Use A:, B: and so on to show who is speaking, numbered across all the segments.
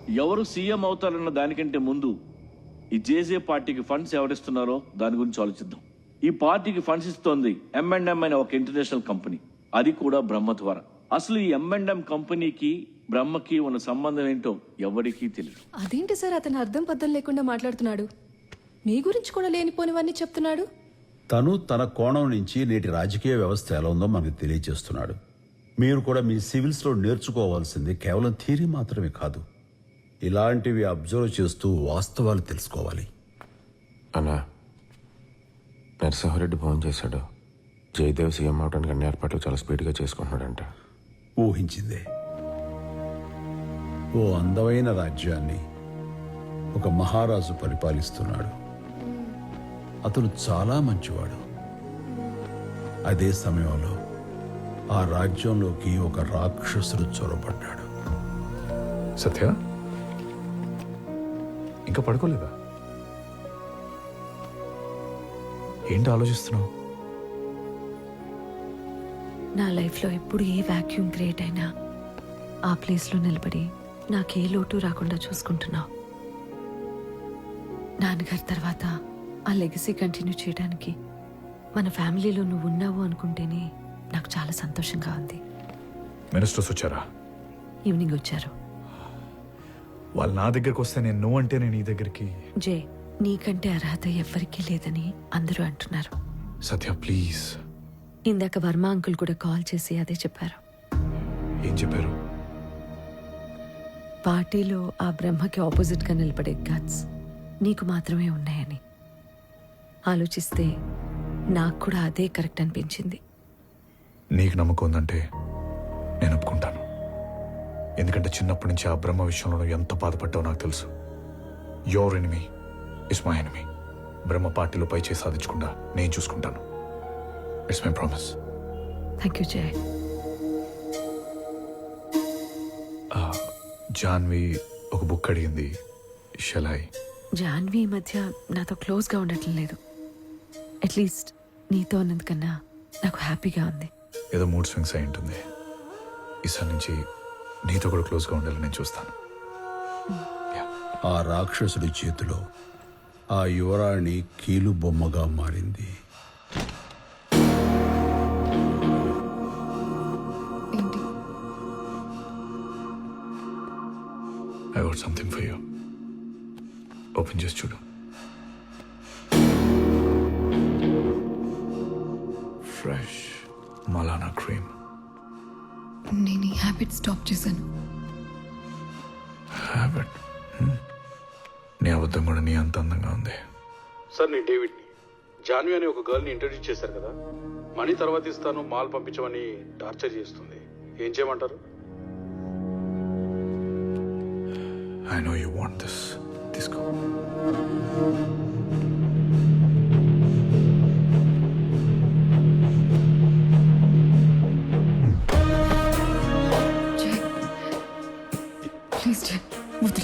A: ఎవరు సీఎం అవుతారన్న దానికంటే ముందు ఈ జేజే పార్టీకి ఫండ్స్ ఎవరిస్తున్నారో దాని గురించి ఆలోచిద్దాం. ఈ పార్టీకి ఫండ్స్ ఇస్తోంది M&M అనే ఒక ఇంటర్నేషనల్ కంపెనీ, అది కూడా బ్రహ్మ ద్వారా. అసలు ఈ M&M కంపెనీకి బ్రహ్మకి ఉన్న సంబంధం ఏంటో ఎవరికీ తెలియదు.
B: అదేంటి సార్ అతను అర్థం పద్ధం లేకుండా మాట్లాడుతున్నాడు? మీ గురించి కూడా లేనిపోనివన్నీ చెప్తున్నాడు.
C: తను తన కోణం నుంచి నేటి రాజకీయ వ్యవస్థ ఎలా ఉందో మనకు తెలియజేస్తున్నాడు. మీరు కూడా మీ సివిల్స్లో నేర్చుకోవాల్సింది కేవలం థియరీ మాత్రమే కాదు, ఇలాంటివి అబ్జర్వ్ చేస్తూ వాస్తవాలు తెలుసుకోవాలి.
D: అన్నా, నరసింహారెడ్డి ఫోన్ చేశాడు. జయదేవ్ సీఎం అవడానికి అన్ని ఏర్పాట్లు చాలా స్పీడ్గా చేసుకుంటున్నాడంట.
C: ఊహించిందే. ఓ అందమైన రాజ్యాన్ని ఒక మహారాజు పరిపాలిస్తున్నాడు. అతను చాలా మంచివాడు. అదే సమయంలో ఆ రాజ్యంలోకి ఒక రాక్షసుడు చొరబడ్డాడు.
E: సత్య, ఇంకా పడుకోలేదా? ఏంటి ఆలోచిస్తున్నావు?
F: నా లైఫ్లో ఎప్పుడు ఏ వాక్యూమ్ క్రియేట్ అయినా ఆ ప్లేస్లో నిలబడి నాకే లోటు రాకుండా చూసుకుంటున్నావు. నాన్నగారి తర్వాత ఆ లెగసీ కంటిన్యూ చేయడానికి మన ఫ్యామిలీలో నువ్వు ఉన్నావు అనుకుంటేనే నాకు చాలా సంతోషంగా ఉంది.
E: మినిస్టర్స్ వచ్చారా?
F: ఈవినింగ్ వచ్చారు.
E: వాళ్ళు నా దగ్గరికి వస్తే నేను నువ్వు అంటే నేను నీ దగ్గరికి.
F: జే, నీకంటే అర్హత ఎవ్వరికీ లేదని అందరూ అంటున్నారు.
E: సత్య ప్లీజ్.
F: ఇందాక వర్మ అంకుల్ కూడా కాల్ చేసి అదే చెప్పారు.
E: ఏం చెప్పారు?
F: పార్టీలో ఆ బ్రహ్మకి ఆపోజిట్గా నిలబడే గట్స్ నీకు మాత్రమే ఉన్నాయని. ఆలోచిస్తే నాకు కూడా అదే కరెక్ట్ అనిపించింది.
E: నీకు నమ్మకం ఉందంటే నేను ఒప్పుకుంటాను. ఎందుకంటే చిన్నప్పటి నుంచి ఆ బ్రహ్మ విషయంలో నువ్వు ఎంత బాధపడ్డావో నాకు తెలుసు. Your enemy is my enemy. Brahma పార్టీలో పై చేసి సాధించకుండా నేను చూసుకుంటాను. It's my promise.
F: Thank you Jay.
E: Janhvi ఒక బుక్ అడిగింది. షెలాయ్?
F: జాన్వి ఈ మధ్య నాతో క్లోజ్గా ఉండటం లేదు. అట్లీస్ట్ నీతో ఉన్నందుకన్నా నాకు హ్యాపీగా ఉంది.
E: ఏదో మూడ్ స్వింగ్స్ అయి ఉంటుంది. ఈసారి నుంచి నీతో కూడా క్లోజ్గా ఉండాలని నేను చూస్తాను.
C: ఆ రాక్షసుడి చేతిలో ఆ యువరాణి కీలు బొమ్మగా మారింది.
B: ఏంటి?
E: I want something for you. Open చేసి చూడు. Fresh Malana cream.
B: నేను ఈ హ్యాబిట్ స్టాప్ చేశాను.
E: హ్యాబిట్? నీ అబద్ధం కూడా నీ అంత అందంగా ఉంది.
G: సార్, నేను డేవిడ్ని. జాన్వి అనే ఒక గర్ల్ని ఇంట్రడ్యూస్ చేశారు కదా, మనీ తర్వాత ఇస్తాను, మాల్ పంపించమని టార్చర్ చేస్తుంది. ఏం చేయమంటారు?
E: I know you want this. తీసుకో.
B: జయ్, ప్లీజ్ జయ్, వదిలు.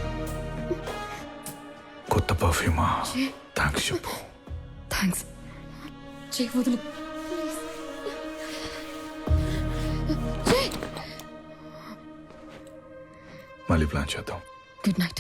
E: కొత్త పర్ఫ్యూమా? థ్యాంక్స్ చెప్పు.
B: థ్యాంక్స్ జయ్, వదిలు. జయ్,
E: మళ్ళీ ప్లాన్ చేద్దాం.
B: Good night.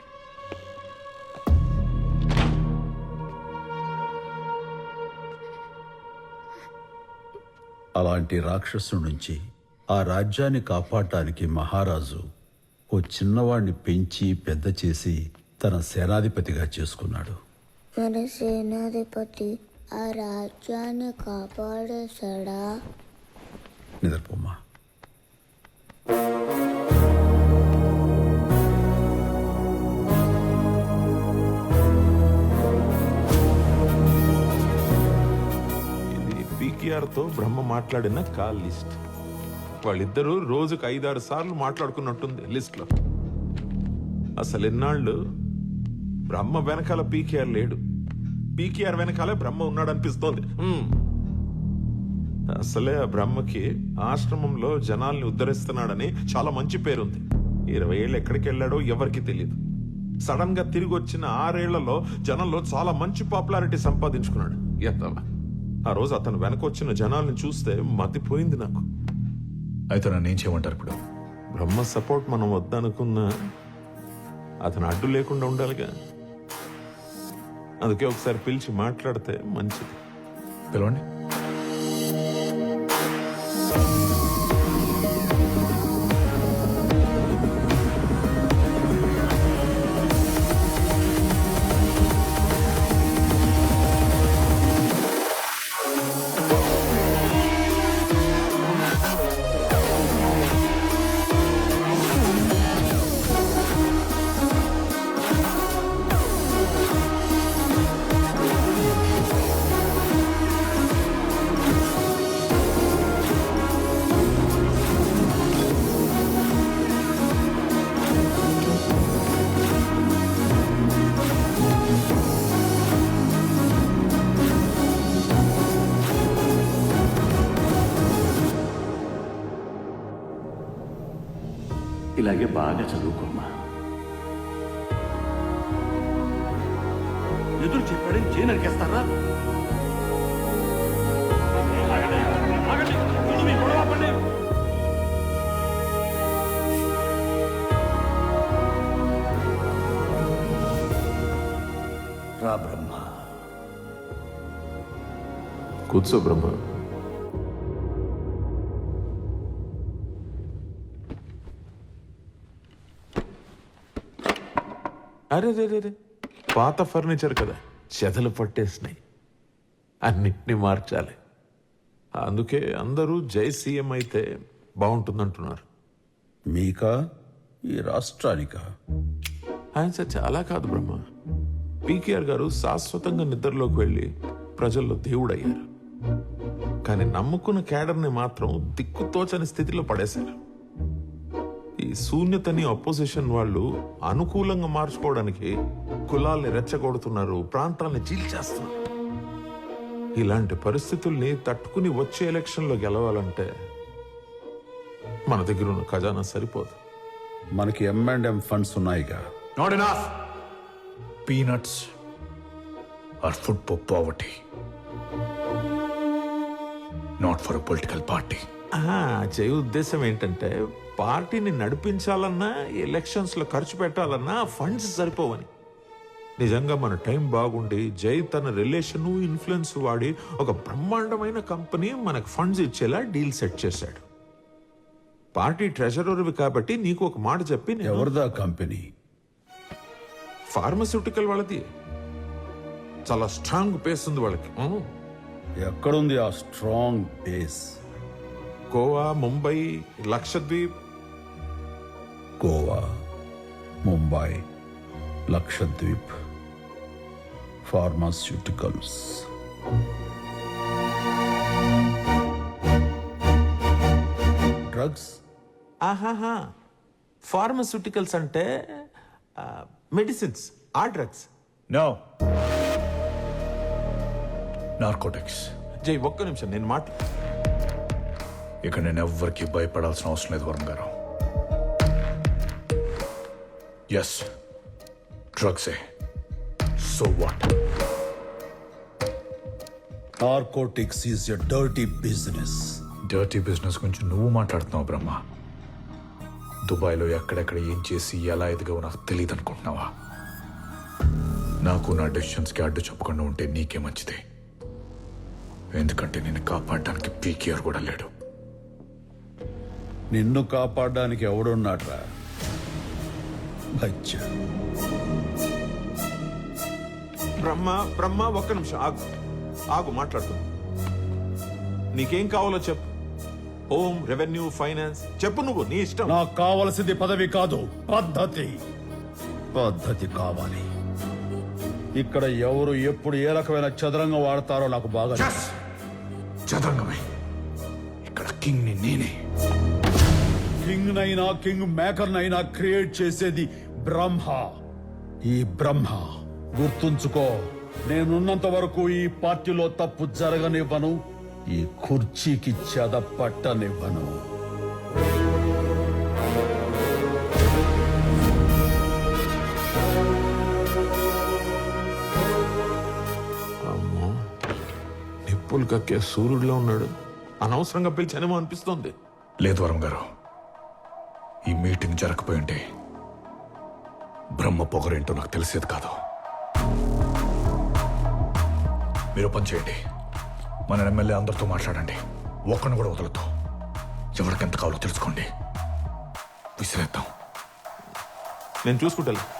C: అలాంటి రాక్షసుడి నుంచి ఆ రాజ్యాన్ని కాపాడటానికి మహారాజు ఓ చిన్నవాడిని పెంచి పెద్ద చేసి తన సేనాధిపతిగా చేసుకున్నాడు.
H: మన సేనాధిపతి ఆ రాజ్యాన్ని కాపాడేశాడా?
C: నిద్రపోమ్మా.
I: తో బ్రహ్మ మాట్లాడిన కాల్ లిస్ట్. వాళ్ళిద్దరూ రోజుకు 5-6 సార్లు మాట్లాడుకున్నట్టుంది లిస్ట్ లో. అసలు ఎన్నాళ్ళు బ్రహ్మ వెనకాల పీకేఆర్ లేడు, పీకేఆర్ వెనకాలే బ్రహ్మ ఉన్నాడు అనిపిస్తోంది. అసలే ఆ బ్రహ్మకి ఆశ్రమంలో జనాల్ని ఉద్ధరిస్తున్నాడని చాలా మంచి పేరుంది. 20 ఏళ్ళు ఎక్కడికి వెళ్ళాడో ఎవరికి తెలియదు. సడన్ గా తిరిగి వచ్చిన 6 ఏళ్లలో జనంలో చాలా మంచి పాపులారిటీ సంపాదించుకున్నాడు. ఎత్తవా ఆ రోజు అతను వెనకొచ్చిన జనాల్ని చూస్తే మతిపోయింది నాకు.
E: అయితే నన్ను ఏం చేయమంటారు ఇప్పుడు?
I: బ్రహ్మ సపోర్ట్ మనం వద్దనుకున్నా అతను అడ్డు లేకుండా ఉండాలిగా. అందుకే ఒకసారి పిలిచి మాట్లాడితే మంచిది.
E: పిలవండి.
A: ఇలాగే బాగా చదువుకోమ్మా. ఎదురు చెప్పాడని చేయి నరికేస్తారా? రా బ్రహ్మ.
I: కూర్చో బ్రహ్మ. అరే రే రే రే, పాత ఫర్నిచర్ కదా, చెదలు పట్టేసినాయి. అన్నిటినీ మార్చాలి. అందుకే అందరూ జై సీఎం అయితే బాగుంటుందంటున్నారు.
C: మీకా ఈ రాష్ట్రానికా?
I: ఆయన చచ్చి అలా కాదు బ్రహ్మ. పీకేఆర్ గారు శాశ్వతంగా నిద్రలోకి వెళ్ళి ప్రజల్లో దేవుడయ్యారు. కానీ నమ్ముకున్న క్యాడర్ని మాత్రం దిక్కుతోచని స్థితిలో పడేశారు. ఈ శూన్యతని అపోజిషన్ వాళ్ళు అనుకూలంగా మార్చుకోవడానికి కులాల్ని రెచ్చగొడుతున్నారు, ప్రాంతాల్ని చీల్చేస్తున్నారు. ఇలాంటి పరిస్థితుల్ని తట్టుకుని వచ్చే ఎలక్షన్లో గెలవాలంటే మన దగ్గర ఉన్న ఖజానా సరిపోదు.
C: మనకి M&M ఫండ్స్ ఉన్నాయిగా.
E: Not enough. Peanuts are food for poverty. Not for a political party.
I: జయ ఉద్దేశం ఏంటంటే పార్టీని నడిపించాలన్నా ఎలక్షన్స్ లో ఖర్చు పెట్టాలన్నా ఫండ్స్ సరిపోవని. నిజంగా మన టైం బాగుండి జై తన రిలేషన్ ఇన్ఫ్లుయెన్స్ వాడి ఒక బ్రహ్మాండమైన కంపెనీ మనకు ఫండ్స్ ఇచ్చేలా డీల్ సెట్ చేశాడు. పార్టీ ట్రెజరర్వి కాబట్టి నీకు ఒక మాట చెప్పి,
C: ఎవరిదా కంపెనీ?
I: ఫార్మస్యూటికల్ వాళ్ళది. చాలా స్ట్రాంగ్ బేస్ ఉంది వాళ్ళకి.
C: ఎక్కడుంది ఆ strong base?
I: Goa, Mumbai, Lakshadweep.
C: Goa, Mumbai, Lakshadweep, pharmaceuticals. Drugs?
I: ఆహాహా, ఫార్మస్యూటికల్స్ అంటే మెడిసిన్స్, ఆ డ్రగ్స్.
E: No. Narcotics.
I: జై ఒక్క నిమిషం నేను
E: ఇక నేను ఎవ్వరికి భయపడాల్సిన అవసరం లేదు వరుణ్ గారు. ఎస్, డ్రగ్సే. So what?
C: Narcotics is a dirty business.
E: Dirty business గురించి నువ్వు మాట్లాడుతున్నావు బ్రహ్మ. దుబాయ్లో ఎక్కడెక్కడ ఏం చేసి ఎలా ఎదిగావో నాకు తెలియదు అనుకుంటున్నావా? నాకు నా డెసిషన్స్కి అడ్డు చెప్పకుండా ఉంటే నీకే మంచిది. ఎందుకంటే నిన్ను కాపాడడానికి పీకేఆర్ కూడా లేడు.
C: నిన్ను కాపాడడానికి ఎవడున్నాడ్రా? బచ్చా.
I: బ్రహ్మ ఒక్క నిమిషం ఆగు మాట్లాడుతూ. నీకేం కావాలో చెప్పు. హోమ్, రెవెన్యూ, ఫైనాన్స్ చెప్పు, నువ్వు నీ ఇష్టం.
C: నాకు కావలసింది పదవి కాదు, పద్ధతి. పద్ధతి కావాలి. ఇక్కడ ఎవరు ఎప్పుడు ఏ రకమైన చదరంగం వాడతారో నాకు బాగా తెలుసు.
E: చదరంగమే. ఇక్కడ కింగ్ ని నేనే.
C: కింగ్ నైనా కింగ్ మేకర్ నైనా క్రియేట్ చేసేది బ్రహ్మ. ఈ బ్రహ్మ గుర్తుంచుకో. నేనున్నంత వరకు ఈ పార్టీలో తప్పు జరగనివ్వను, ఈ కుర్చీకి చెద పట్టనివ్వను.
I: అమ్మో, నిప్పులు కక్కే సూర్యుడిలో ఉన్నాడు. అనవసరంగా పిలిచానేమో అనిపిస్తోంది.
E: లేదు వరుణ్ గారు, ఈ మీటింగ్ జరగకపోయి ఉంటే బ్రహ్మ పొగరేంటో నాకు తెలిసేది కాదు. మీరు పని చేయండి, మన ఎమ్మెల్యే అందరితో మాట్లాడండి, ఒక్కడిని కూడా వదలొద్దు. ఎవరికెంత కావాలో తెలుసుకోండి, విసిరేద్దాం.
I: నేను చూసుకుంటా.